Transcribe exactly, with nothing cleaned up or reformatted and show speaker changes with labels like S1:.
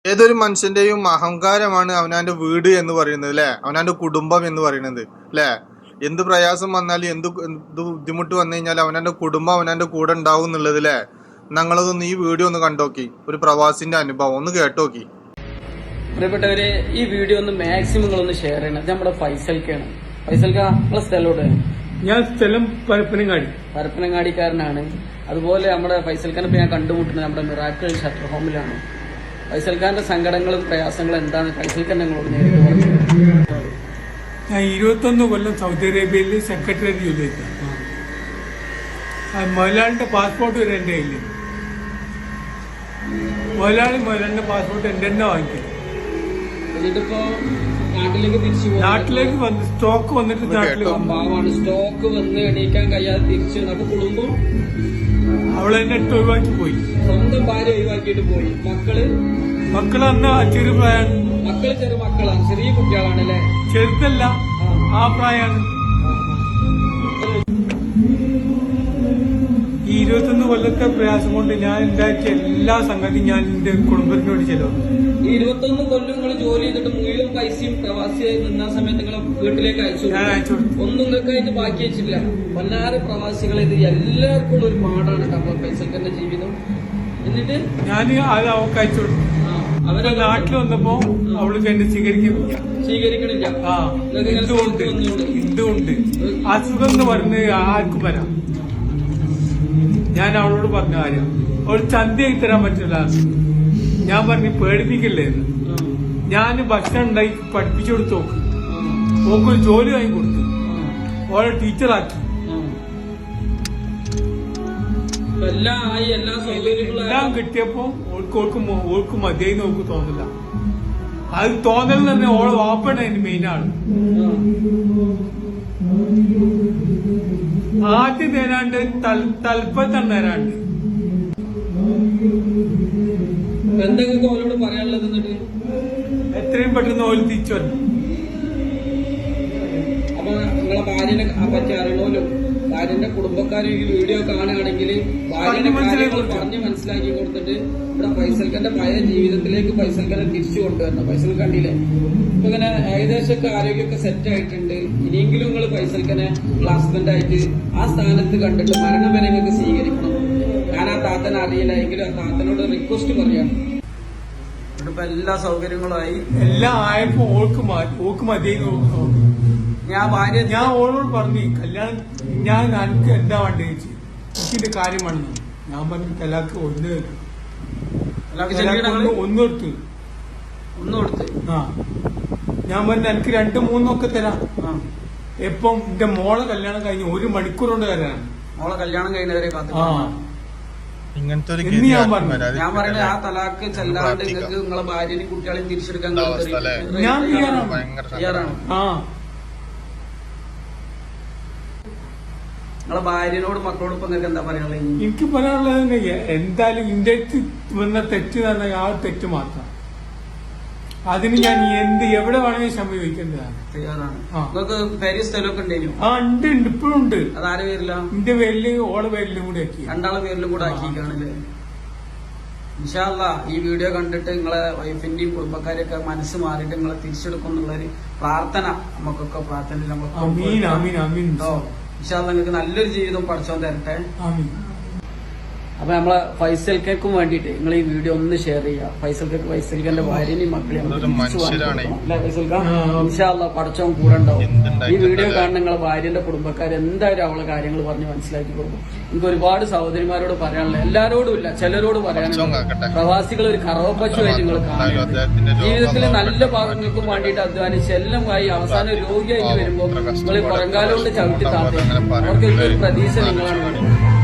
S1: ഏതൊരു മനുഷ്യന്റെയും അഹങ്കാരമാണ് അവനാന്റെ വീട് എന്ന് പറയുന്നത് അല്ലെ, അവനാന്റെ കുടുംബം എന്ന് പറയുന്നത് അല്ലെ. എന്ത് പ്രയാസം വന്നാലും എന്ത് എന്ത് ബുദ്ധിമുട്ട് വന്നു കഴിഞ്ഞാൽ അവനാന്റെ കുടുംബം അവനാന്റെ കൂടെ ഉണ്ടാവും എന്നുള്ളത് അല്ലെ. ഞങ്ങളതൊന്ന് ഈ വീഡിയോ ഒന്ന് കണ്ടോക്കി, ഒരു പ്രവാസിന്റെ അനുഭവം ഒന്ന് കേട്ടോക്കി.
S2: പ്രിയപ്പെട്ടവരെ, ഈ വീഡിയോ ഒന്ന് മാക്സിമം നിങ്ങളൊന്ന് ഷെയർ ചെയ്യണം. ഇത് നമ്മുടെ ഫൈസൽക്കാണ്. ഫൈസൽക്ക, നമ്മളെ സ്ഥലോട്ട്
S3: ഞാൻ സ്ഥലം പരപ്പനങ്ങാടി
S2: പരപ്പനങ്ങാടിക്കാരനാണ്. അതുപോലെ നമ്മുടെ ഫൈസൽഖാനെ ഇപ്പൊ ഞാൻ കണ്ടുമുട്ടുന്നത് നമ്മുടെ മിറാക്കിൾ ഷട്ടർ ഹോമിലാണ്. ഫൈസൽഖാന്റെ സങ്കടങ്ങളും പ്രയാസങ്ങളും എന്താണ് ഫൈസൽഖാൻ ഞങ്ങളോട് നേരിട്ട് പറഞ്ഞു.
S3: ഞാൻ ഇരുപത്തൊന്ന് കൊല്ലം സൗദി അറേബ്യയിൽ സെക്രട്ടേറിയറ്റ് ജോലി ചെയ്തു. മുതലാളിന്റെ പാസ്പോർട്ട് വരെ എന്റെ കയ്യിൽ. മുതലാളി മുതലാളിന്റെ പാസ്പോർട്ട് എന്റെ തന്നെ വാങ്ങിക്കും.
S2: എന്നിട്ടിപ്പോ നാട്ടിലേക്ക് തിരിച്ചു
S3: നാട്ടിലേക്ക് വന്ന് സ്റ്റോക്ക് വന്നിട്ട് നാട്ടിൽ
S2: പാവാണ്. സ്റ്റോക്ക് വന്ന് എണീക്കാൻ കഴിയാതെ തിരിച്ചു അപ്പൊ കുടുംബം
S3: അവളെ എന്നെ ഇട്ട് ഒഴിവാക്കി പോയി.
S2: സ്വന്തം ഭാര്യ ഒഴിവാക്കിയിട്ട് പോയി. മക്കള്
S3: മക്കള് അന്ന് ചെറു പ്രായമാണ്.
S2: മക്കള് ചെറു മക്കളാണ്, ചെറിയ കുട്ടികളാണ് അല്ലെ.
S3: ചെറുതല്ല, ആ പ്രായമാണ്. ഈ ഇരുപത്തൊന്ന് കൊല്ലത്തെ പ്രയാസം കൊണ്ട് ഞാൻ ഉണ്ടാക്കിയ എല്ലാ സംഗതിയും ഞാൻ എന്റെ കുടുംബത്തിന് വേണ്ടി ചെലവ്.
S2: ഈ ഇരുപത്തൊന്ന് കൊല്ലം നിങ്ങൾ ജോലി ചെയ്തിട്ട് മുഴുവൻ പൈസയും പ്രവാസിയായി നിന്ന സമയത്ത് നിങ്ങൾ വീട്ടിലേക്ക് അയച്ചു ഒന്നും നിങ്ങൾക്കായിട്ട് ബാക്കി വെച്ചില്ല. പതിനാറ് പ്രവാസികളെ ഇത് എല്ലാവർക്കും ഒരു പാടാണ് കപ്പ ഫൈസൽഖാന്റെ ജീവിതം. എന്നിട്ട്
S3: ഞാൻ അത് അവർക്ക് അയച്ചു കൊടുത്തു. അവരെ നാട്ടിൽ വന്നപ്പോ അവൾക്ക് എന്നെ സ്വീകരിക്കുന്നില്ല.
S2: സ്വീകരിക്കണില്ല.
S3: ആ എന്തുകൊണ്ട് എന്തുകൊണ്ട് അസുഖം എന്ന് പറഞ്ഞ് ആർക്കും വരാം. ഞാൻ അവളോട് പറഞ്ഞ കാര്യം അവൾ ചന്തയായി തരാൻ പറ്റില്ല. ഞാൻ പറഞ്ഞു പേടിപ്പിക്കില്ലേ എന്ന്. ഞാൻ ഭക്ഷണം ഉണ്ടാക്കി പഠിപ്പിച്ചു കൊടുത്തു. നോക്ക് ഓക്കൊരു ജോലി വാങ്ങി കൊടുത്തു. ഓളെ ടീച്ചറാക്കി. എല്ലാം കിട്ടിയപ്പോ ഓൾക്ക് ഓൾക്ക് ഓൾക്ക് മതിയായി നോക്ക് തോന്നില്ല. അത് തോന്നൽ തന്നെ ഓളെ വാപ്പണ അതിന് മെയിൻ ആണ്. ആദ്യം തരാണ്ട് തൽപ്പത്തം തരാണ്ട്.
S2: എന്തൊക്കെ ഓരോട് പറയാനുള്ളത്? എന്നിട്ട്
S3: എത്രയും പെട്ടെന്ന് ഓല് തിരിച്ചു വന്നു.
S2: അപ്പൊ നിങ്ങളെ ഭാര്യനെ പറ്റി അറിയണമല്ലോ. ഭാര്യന്റെ കുടുംബക്കാരും ഈ വീഡിയോ കാണുകയാണെങ്കിൽ ഭാര്യനെ കാര്യങ്ങൾ പറഞ്ഞ് മനസ്സിലാക്കി കൊടുത്തിട്ട് ഇവിടെ ഫൈസൽഖാന്റെ പഴയ ജീവിതത്തിലേക്ക് ഫൈസൽഖാനെ തിരിച്ചു കൊണ്ടുവരണം. ഫൈസൽ കണ്ടില്ലേ ഇപ്പൊ ഇങ്ങനെ ഏകദേശമൊക്കെ ആരോഗ്യമൊക്കെ സെറ്റ് ആയിട്ടുണ്ട്. ഇനിയെങ്കിലും നിങ്ങൾ ഫൈസൽഖാനെ ഹസ്ബൻഡ് ആയിട്ട് ആ സ്ഥാനത്ത് കണ്ടിട്ട് മരണം വരെ നിങ്ങൾക്ക് സ്വീകരിക്കണം. ഞാൻ ആ താത്തനെ അറിയില്ല എങ്കിലും ആ താത്തനോട് റിക്വസ്റ്റ് പറയാണ്. ഇപ്പൊ എല്ലാ സൗകര്യങ്ങളുമായി
S3: എല്ലാം ആയപ്പോ ഓൾക്ക് ഓക്ക് മതിയായി നോക്കി.
S2: ഞാൻ ഭാര്യ
S3: ഞാൻ ഓളോട് പറഞ്ഞു കല്യാണം ഞാൻ എനിക്ക് എന്താ വേണ്ടത് ചോദിച്ചു. എനിക്കിന്റെ കാര്യമാണെന്ന് ഞാൻ പറഞ്ഞു തലാക്ക് ഒന്ന് ഒന്ന് കൊടുത്തു
S2: ഒന്ന് കൊടുത്ത്
S3: ആ ഞാൻ പറഞ്ഞു എനിക്ക് രണ്ട് മൂന്നൊക്കെ തരാം. എപ്പം എന്റെ മോളെ കല്യാണം കഴിഞ്ഞ് ഒരു മണിക്കൂർ കൊണ്ട് തരാനാണ്.
S2: മോളെ കല്യാണം കഴിഞ്ഞവരെ കാത്തു.
S3: ആ
S1: ഇങ്ങനത്തെ
S3: ഞാൻ പറഞ്ഞു
S2: ഞാൻ പറയുന്നത് ആ തലാക്ക് ചെല്ലാണ്ട് നിങ്ങൾക്ക് നിങ്ങളെ ഭാര്യനെയും കുട്ടികളെയും തിരിച്ചെടുക്കാൻ
S3: ഞാൻ തയ്യാറാണ്. ആ
S2: നിങ്ങളെ ഭാര്യനോട് മക്കളോട് ഇപ്പൊ നിങ്ങൾക്ക് എന്താ പറയാനുള്ളത്?
S3: എനിക്ക് പറയാനുള്ളത് തന്നെ എന്തായാലും എന്റെ വന്ന തെറ്റ് തന്നെ ആ തെറ്റ് മാത്രം. അതിന് ഞാൻ എന്ത് എവിടെ വേണമെങ്കിൽ സമീപിക്കേണ്ടതാണ്.
S2: തയ്യാറാണ്. നിങ്ങൾക്ക് പേര് സ്ഥലമൊക്കെ ഉണ്ടെങ്കിലും
S3: ആ ഉണ്ട് ഉണ്ട് ഇപ്പോഴും ഉണ്ട്.
S2: അതാരെ പേരില്ല?
S3: എന്റെ പേരില് ഓളെ പേരിലും കൂടെ ആക്കി
S2: രണ്ടാളെ പേരിലും കൂടെ ആക്കിക്കാണല്ലേ. ഇൻഷാ അല്ലാഹ് ഈ വീഡിയോ കണ്ടിട്ട് നിങ്ങളെ വൈഫിന്റെയും കുടുംബക്കാരെയൊക്കെ മനസ്സ് മാറിയിട്ട് നിങ്ങളെ തിരിച്ചെടുക്കും എന്നുള്ളൊരു പ്രാർത്ഥന നമുക്കൊക്കെ പ്രാർത്ഥന നമ്മൾ ഇൻഷാ അല്ലാഹ് നിങ്ങൾക്ക് നല്ലൊരു ജീവിതം പഠിച്ചോൻ തരട്ടെ. അപ്പൊ നമ്മളെ ഫൈസൽക്കും വേണ്ടിട്ട് നിങ്ങൾ ഈ വീഡിയോ ഒന്ന് ഷെയർ ചെയ്യുക. ഫൈസൽക്ക് ഫൈസൽഖാന്റെ ഭാര്യനെയും മക്കളെയും ഇൻഷാ അല്ലാഹ് പഠിച്ചോൻ കൂടെ ഉണ്ടാവും. ഈ വീഡിയോ കാണുന്ന നിങ്ങളെ ഭാര്യന്റെ കുടുംബക്കാർ എന്തായാലും അവളെ കാര്യങ്ങൾ പറഞ്ഞ് മനസ്സിലാക്കി കൊടുക്കും. എനിക്ക് ഒരുപാട് സഹോദരിമാരോട് പറയാനുള്ള എല്ലാരോടും ഇല്ല ചിലരോട് പറയാനുണ്ട്. പ്രവാസികൾ ഒരു കറവപ്പശുവായിട്ട് നിങ്ങൾ കാണുന്നത്. ജീവിതത്തിലെ നല്ല ഭാഗങ്ങൾക്കും വേണ്ടിയിട്ട് അധ്വാനിച്ച് എല്ലാമായി അവസാനം രോഗിയായിട്ട് വരുമ്പോൾ നിങ്ങൾ പുറങ്കാലം കൊണ്ട് ചവിട്ടി താത്തി അവർക്ക് ഒരു പ്രതീക്ഷ നിങ്ങളാണ് വേണ്ടത്.